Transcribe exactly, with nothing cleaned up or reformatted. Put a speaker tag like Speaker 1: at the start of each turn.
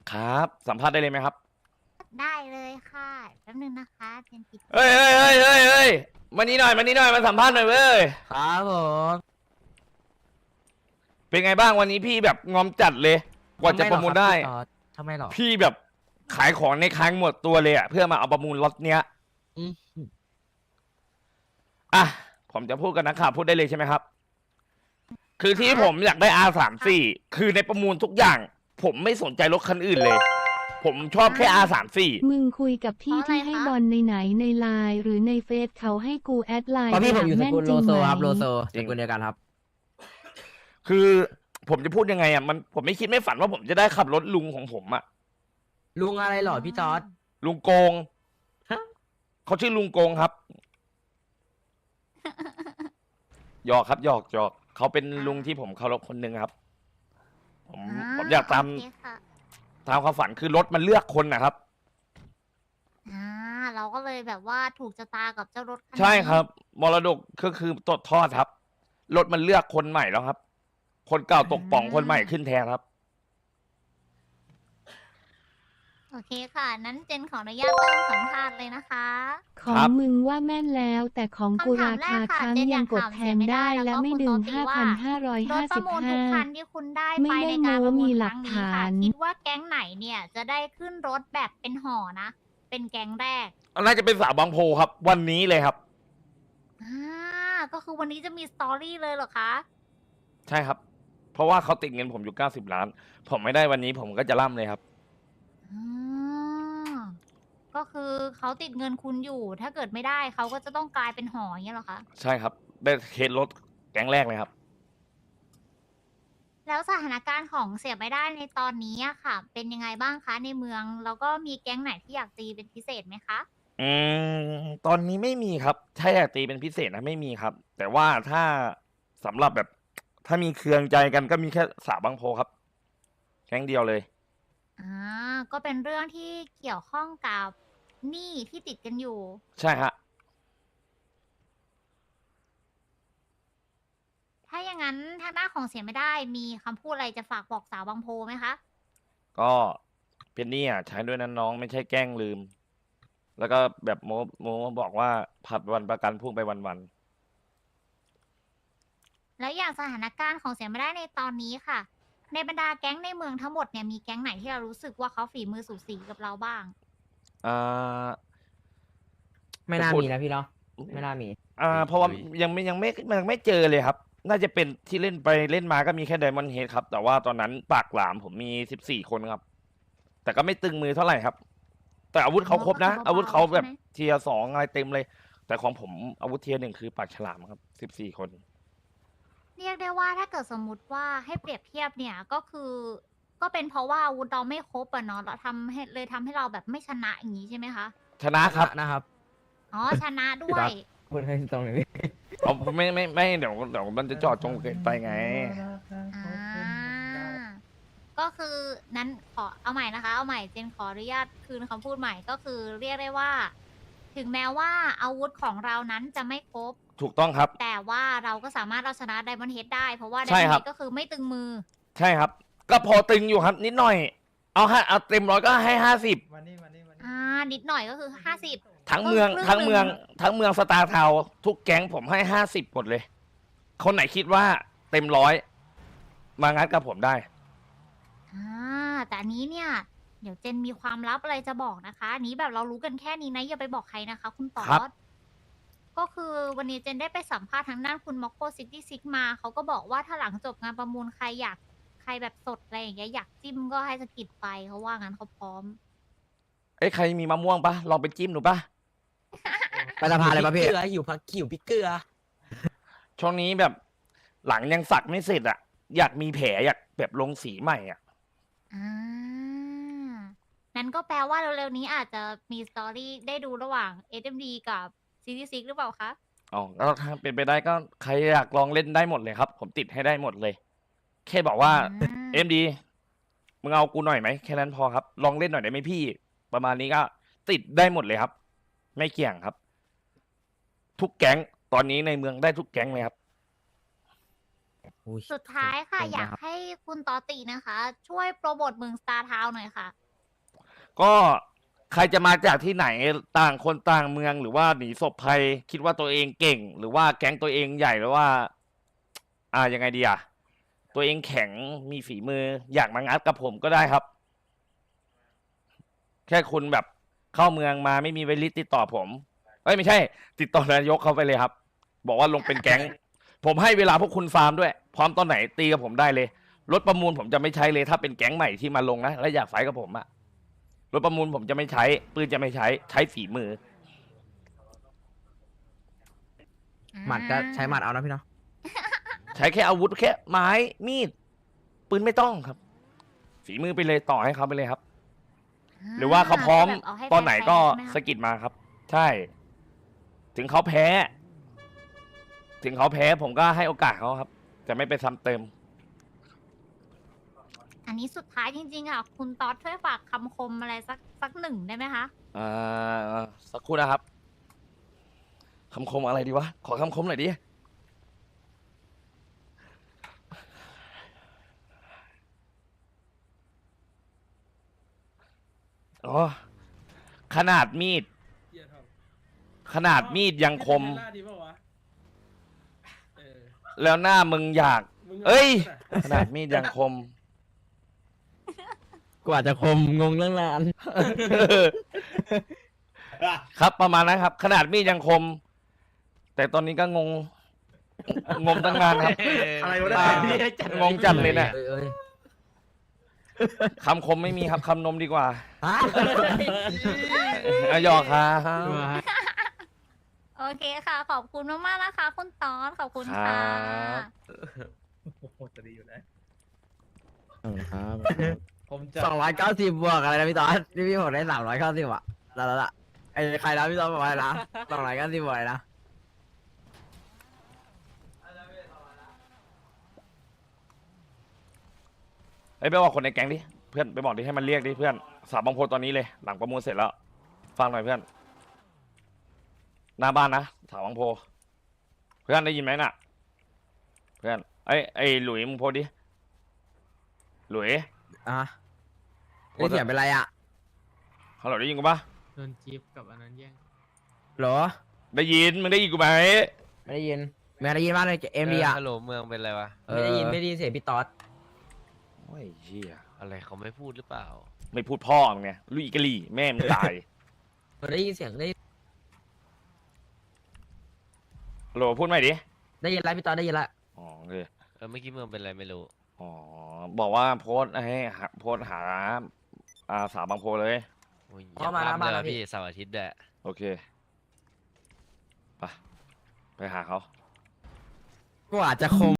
Speaker 1: ครับสัมภาษณ์ได้เลยไหมครับ
Speaker 2: ได้เลยค่ะแป๊บนึงนะคะเจนปิด
Speaker 1: เฮ้ยเฮ้ยเฮ้ยเฮ้ยเฮ้ยมานี่หน่อยมานี่หน่อยมาสัมภาษณ์หน่อยเว้ย
Speaker 3: ครับผม
Speaker 1: เป็นไงบ้างวันนี้พี่แบบงอมจัดเลยกว่าจะประมูลได้
Speaker 3: ทำไมหรอ
Speaker 1: พี่แบบขายของในค้างหมดตัวเลยอ่ะเพื่อมาเอาประมูลล็อตเนี้ย
Speaker 3: อืม
Speaker 1: อ่ะผมจะพูดกันนะข่าวพูดได้เลยใช่ไหมครับคือที่ผมอยากได้ อาร์ สามสิบสี่ คือในประมูลทุกอย่าง ผมไม่สนใจรถคันอื่นเลย ผมชอบแค่ อาร์ สามสิบสี่
Speaker 4: มึงคุยกับพี่ที่ให้บอลในไหนในไลน์หรือในเฟซเขาให้กูแอดไลน์
Speaker 3: เพราะพี่ผมอยู่สกุลโลโซครับ
Speaker 4: ไหม
Speaker 3: โลโซสกุลเดียวกันครับ
Speaker 1: คือผมจะพูดยังไงอ่ะมันผมไม่คิดไม่ฝันว่าผมจะได้ขับรถลุงของผมอ่ะ
Speaker 3: ลุงอะไรหรอพี่จอร์ด
Speaker 1: ลุงโกงเขาชื่อลุงโกงครับหยอกครับหยอกหยอกเขาเป็นลุงที่ผมเคารพคนหนึ่งครับ ผมผมอยากตาม
Speaker 2: โอเคค่ะ
Speaker 1: ตามความฝันคือรถมันเลือกคนนะครับ
Speaker 2: อ่าเราก็เลยแบบว่าถูกชะตากับเจ้ารถคันนี้
Speaker 1: ใช่ครับมรดกก็คือตดทอดครับรถมันเลือกคนใหม่แล้วครับ คนเก่าตกป่องคนใหม่ขึ้นแทนครับ
Speaker 2: โอเคค่ะ นั้นเจนขออนุญาตเริ่มสัมภาษณ์เลยนะคะ
Speaker 4: ของมึงว่าแม่นแล้วแต่ของกู
Speaker 2: คำถา
Speaker 4: ราม
Speaker 2: แร
Speaker 4: คาก
Speaker 2: ค่ะ
Speaker 4: ค้าง
Speaker 2: เจนอ
Speaker 4: ยั
Speaker 2: ยาง ก
Speaker 4: กด
Speaker 2: ถาม
Speaker 4: แท
Speaker 2: เสีย
Speaker 4: น
Speaker 2: ไม่ได้
Speaker 4: ได้
Speaker 2: แล้
Speaker 4: และ
Speaker 2: วก็
Speaker 4: ไม่
Speaker 2: คุณ
Speaker 4: ดึ
Speaker 2: โต
Speaker 4: ง
Speaker 2: ติ
Speaker 4: ห้า
Speaker 2: ว่า
Speaker 4: พันห้าร้อย
Speaker 2: ร
Speaker 4: ห้า
Speaker 2: ถป
Speaker 4: สิ
Speaker 2: ระ
Speaker 4: บ
Speaker 2: มูลทุ
Speaker 4: ห้าก
Speaker 2: คันที่คุณได้
Speaker 4: ไม่
Speaker 2: ไป
Speaker 4: ได้
Speaker 2: ในการ
Speaker 4: โม้
Speaker 2: ประมู
Speaker 4: มี
Speaker 2: ล
Speaker 4: ห
Speaker 2: ค
Speaker 4: ลั
Speaker 2: รั้
Speaker 4: ก
Speaker 2: งนี้
Speaker 4: ฐา
Speaker 2: ค่ะ
Speaker 4: น
Speaker 2: คิดว่าแก๊งไหนเนี่ยจะได้ขึ้นรถแบบเป็นห่อนะ เป็นแก๊งแรก
Speaker 1: น่าจะเป็นสาวบางโพครับ วันนี้เลยครับ
Speaker 2: อ่าก็คือวันนี้จะมีสตอรี่เลยเหรอคะ
Speaker 1: ใช่ครับ เพราะว่าเขาติดเงินผมอยู่เก้าสิบล้าน ผมไม่ได้วันนี้ผมก็จะล่ำเลยครับ
Speaker 2: อ่าก็คือเขาติดเงินคุณอยู่ ถ้าเกิดไม่ได้เขาก็จะต้องกลายเป็นหออย่างเงี้ยเหรอคะ
Speaker 1: ใช่ครับ ได้เคสรถแก๊งแรกเลยครับ
Speaker 2: แล้วสถานการณ์ของเสียไม่ได้ในตอนนี้อะค่ะ เป็นยังไงบ้างคะในเมือง แล้วก็มีแก๊งไหนที่อยากตีเป็นพิเศษไหมคะ
Speaker 1: อืมตอนนี้ไม่มีครับ ถ้าอยากตีเป็นพิเศษนะไม่มีครับ แต่ว่าถ้าสำหรับแบบ ถ้ามีเคืองใจกันก็มีแค่สาวบางโพครับแก๊งเดียวเลย
Speaker 2: อ่า ก็เป็นเรื่องที่เกี่ยวข้องกับหนี้ที่ติดกันอยู่
Speaker 1: ใช่ฮะ
Speaker 2: ถ้าอย่างนั้นทางด้านของเสียไม่ได้มีคำพูดอะไรจะฝากบอกสาวบางโพไหมคะ
Speaker 1: ก็เป็นหนี่อ่ะใช้ด้วยนั้นน้องไม่ใช่แกล้งลืม แล้วก็แบบโมโมบอกว่าผัดวันประกันพรุ่งไปวันวัน
Speaker 2: แล้วอย่างสถานการณ์ของเสียไม่ได้ในตอนนี้ค่ะ ในบรรดาแก๊งในเมืองทั้งหมดเนี่ยมีแก๊งไหนที่เรารู้สึกว่าเขาฝีมือสูสีกับเราบ้าง
Speaker 1: อ่า
Speaker 3: ไม่น่า
Speaker 1: จะพูด
Speaker 3: มีนะพี่เนาะไม่น่ามี
Speaker 1: อ่าเพราะว่ายังไม่ยังไม่ยังไม่เจอเลยครับ น่าจะเป็นที่เล่นไปเล่นมาก็มีแค่ไดมอนด์เฮดครับ แต่ว่าตอนนั้นปากหลามผมมีสิบสี่คนครับ แต่ก็ไม่ตึงมือเท่าไหร่ครับ แต่อาวุธเขาครบนะ
Speaker 2: อ๋อก็คือเบาๆ
Speaker 1: อาวุธเขาแบบ
Speaker 2: ใช่ไหม
Speaker 1: เทียร์สองอะไรเต็มเลย แต่ของผมอาวุธเทียร์หนึ่งคือปากฉลามครับสิบสี่คน
Speaker 2: เรียกได้ว่าถ้าเกิดสมมุติว่าให้เปรียบเทียบเนี่ยก็คือ ก็เป็นเพราะว่าอาวุธเราไม่ครบอะเนาะแล้วทำให้เลยทำให้เราแบบไม่ชนะอย่างนี้ใช่ไหมคะ
Speaker 1: ชนะครับ
Speaker 3: นะครับ
Speaker 2: อ๋อชนะด้วย
Speaker 3: พูดให้ตรงเลยพี่
Speaker 1: เอาไม่ไม่ไม่เดี๋ยวเดี๋ยวมันจะจอดจงเกินไปไง
Speaker 2: อ่า ก็คือนั้นขอเอาใหม่นะคะ เอาใหม่เจนขออนุญาตคืนคำพูดใหม่ก็คือเรียกได้ว่า ถึงแม้ว่าอาวุธของเรานั้นจะไม่ครบ
Speaker 1: ถูกต้องครับ
Speaker 2: แต่ว่าเราก็สามารถเอาชนะไดมอนด์เฮดได้ เพราะว่าได
Speaker 1: ใช่
Speaker 2: มอนด์
Speaker 1: ครั
Speaker 2: เฮ
Speaker 1: บ
Speaker 2: ดก็คือไม่ตึงมือ
Speaker 1: ใช่ครับ ก็พอตึงอยู่ครับ นิดหน่อย เอาฮะเอาเต็มร้อยก็ให้ห้าสิบ
Speaker 2: อ่า นิดหน่อยก็คือห้าสิบ
Speaker 1: ทั้งเมือง
Speaker 2: ครึ่ง
Speaker 1: ทั้งเมือง
Speaker 2: หนึ่ง
Speaker 1: ทั้งเมืองสตาร์ทาวน์ทุกแก๊งผมให้ห้าสิบหมดเลย คนไหนคิดว่าเต็มร้อยมางัดกับผมได้
Speaker 2: อ่า แต่อันนี้เนี่ย เดี๋ยวเจนมีความลับอะไรจะบอกนะคะอันนี้แบบเรารู้กันแค่นี้นะอย่าไปบอกใครนะคะ คุณตอ
Speaker 1: ครับ
Speaker 2: ดก็คือวันนี้เจนได้ไปสัมภาษณ์ทางด้านคุณม็อกโกซิตี้ซิกมาเขาก็บอกว่าถ้าหลังจบงานประมูลใครอยากใครแบบสดอะไรอย่างเงี้ยอยากจิ้มก็ให้สกิดไปเขาว่างั้นเขาพร้อม
Speaker 1: เอ้ยใครมีมะม่วงปะลองไปจิ้มดูปะ
Speaker 3: ไปสะพานอะไรป่ะพี่
Speaker 5: เกลืออยู่พักขิวพริกเกลือ
Speaker 1: ช่วงนี้แบบหลังยังสักไม่เสร็จอะอยากมีแผลอยากแบบลงสีใหม่อะ
Speaker 2: อ่า นั้นก็แปลว่าเร็วๆนี้อาจจะมีสตอรี่ได้ดูระหว่าง เอส เอ็ม ดี กับ ซี ที ซิก หรือเปล่าคะ
Speaker 1: อ๋อก็ถ้าเป็นไปได้ก็ใครอยากลองเล่นได้หมดเลยครับ ผมติดให้ได้หมดเลย แค่บอกว่า
Speaker 2: อืม
Speaker 1: เอ็มดีมึงเอากูหน่อยไหมแค่นั้นพอครับ ลองเล่นหน่อยได้ไหมพี่ ประมาณนี้ก็ติดได้หมดเลยครับ ไม่เกี่ยงครับ ทุกแก๊งตอนนี้ในเมืองได้ทุกแก๊งเลยครับ
Speaker 3: โหอุ้ย
Speaker 2: สุดท้ายค่ะ
Speaker 3: เก่ง
Speaker 2: อยาก
Speaker 3: นะครับ
Speaker 2: ให้คุณตอตินะคะ ช่วยโปรโมทเมืองสตาร์ทาวน์หน่อยค่ะ
Speaker 1: ก็ใครจะมาจากที่ไหนต่างคนต่างเมืองหรือว่าหนีศพภัยคิดว่าตัวเองเก่ง หรือว่าแก๊งตัวเองใหญ่หรือว่า อ่ายังไงดีอ่ะตัวเองแข็งมีฝีมือ อยากมางัดกับผมก็ได้ครับ แค่คุณแบบเข้าเมืองมาไม่มีเวลิสติดต่อผมเอ้ยไม่ใช่ ติดต่อนายกเขาไปเลยครับ บอกว่าลงเป็นแก๊ง ผมให้เวลาพวกคุณฟาร์มด้วย พร้อมตอนไหนตีกับผมได้เลยรถประมูลผมจะไม่ใช้เลยถ้าเป็นแก๊งใหม่ที่มาลงนะและอยากไฟท์กับผมอะรถประมูลผมจะไม่ใช้ปืนจะไม่ใช้ใช้ฝีมือ
Speaker 3: หมัดก็ใช้หมัดเอานะพี่เนาะ
Speaker 1: ใช้แค่อาวุธแค่ไม้มีดปืนไม่ต้องครับ ฝีมือไปเลยต่อให้เขาไปเลยครับ หรือว่าเขาพร้อม
Speaker 2: แบบเาให้
Speaker 1: ตอนไหนก็
Speaker 2: แฟร์ๆใช่ไหม
Speaker 1: สะ
Speaker 2: คะ
Speaker 1: กิดมาครับ ใช่ ถึงเขาแพ้ ถึงเขาแพ้ผมก็ให้โอกาสเขาครับจะไม่ไปซ้ำเติม
Speaker 2: อันนี้สุดท้ายจริงๆค่ะ คุณตอดช่วยฝากคำคมอะไรสักสักหนึ่งได้ไหมคะ
Speaker 1: อ่าสักครู่นะครับคำคมอะไรดีวะ ขอคำคมหน่อยดิอ๋อขนาดมีด
Speaker 6: เหี้ยทอง
Speaker 1: ขนาดมีดยังคม
Speaker 6: ไเป็นเทสลาดีปะวะเออ
Speaker 1: แล้วหน้ามึงอยาก
Speaker 6: มึง
Speaker 1: เอ้ย
Speaker 6: า
Speaker 1: ขนาดมีดยังคม
Speaker 3: กว่าจะคมงงเรื่องนาน
Speaker 1: ครับประมาณนั้นครับ ขนาดมีดยังคม แต่ตอนนี้ก็งง งงตั้งนานครับ
Speaker 5: อะไรวะ
Speaker 1: อ่า
Speaker 5: เนี่ย
Speaker 1: งงจัดเลยเนี่ย
Speaker 3: เอ้ยเอ้ย
Speaker 1: คำคมไม่มีครับคำนมดีกว่า
Speaker 3: ฮะ
Speaker 1: อ่ะหยอกครับ
Speaker 2: โอเคค่ะ ขอบคุณมากๆนะคะ คุณตอดขอบคุณค่ะ
Speaker 1: ครับ
Speaker 6: โอ้โหจะดีอยู่นะ
Speaker 3: ครับ
Speaker 6: ผมจะ
Speaker 3: สองร้อยเก้าสิบบวกอะไรนะพี่ตอนพี่พี่ผมได้สามร้อยเก้าสิบอ่ะแล้วละละไอ้ใครนะพี่ตอนบอกว่าอะไรนะสองร้อยเก้าสิบบวกอะไรนะ
Speaker 1: เอ้ยไปบอกคนในแก๊งดิเพื่อนไปบอกดิให้มันเรียกดิเพื่อนสาวบางโพตอนนี้เลย หลังประมูลเสร็จแล้ว ฟังหน่อยเพื่อน หน้าบ้านนะสาวบางโพ เพื่อนได้ยินไหมน่ะ เพื่อนไอ้ยไอ้หลุยมึงโพสดิหลุย
Speaker 3: อ่ะนี่เสียงเป็นไรอ่ะ
Speaker 1: ฮัลโหลได้ยินกูปะ
Speaker 7: โดนจิ๊บกับอันนั้นแย่ง
Speaker 3: เหรอ
Speaker 1: ได้ยินมึงได้ยินกูไหม
Speaker 3: ไม่ได้ยินไม่ได้ยินมากเลยเอ็มดีอ่ะ
Speaker 8: ฮัลโหลเมืองเป็นไรวะ
Speaker 3: ไม่ได้ยินไม่ได้ยินเสียงพี่ตอด
Speaker 1: โอ้ยเหี้ย
Speaker 8: อะไรเขาไม่พูดหรือเปล่า
Speaker 1: ไม่พูดพ่อมึงไงลุยกะลี่แม่มึงตาย
Speaker 3: ได้ยินเสียงได้
Speaker 1: ฮัลโหลพูดใหม่ดิ
Speaker 3: ได้ยินแล้วพี่ตอดได้ยินแล้ว
Speaker 1: อ๋อโอเค
Speaker 8: เออเมื่อกี้เมืองเป็นไรไม่รู้
Speaker 1: อ๋อบอกว่าโพสต์ให้หาโพสต์หาอ่าสาวบางโพเลย
Speaker 8: โอ้ยอ
Speaker 3: เข้า
Speaker 8: ย่า
Speaker 3: มา
Speaker 8: พลาด
Speaker 3: หน้า
Speaker 8: เลย
Speaker 3: บ้าน
Speaker 8: ว่ะ
Speaker 3: แล้วพี่
Speaker 8: พี่เสาร์อาทิตย์แหละ
Speaker 1: โอเคไปไปหาเขา
Speaker 3: กว่าจะคม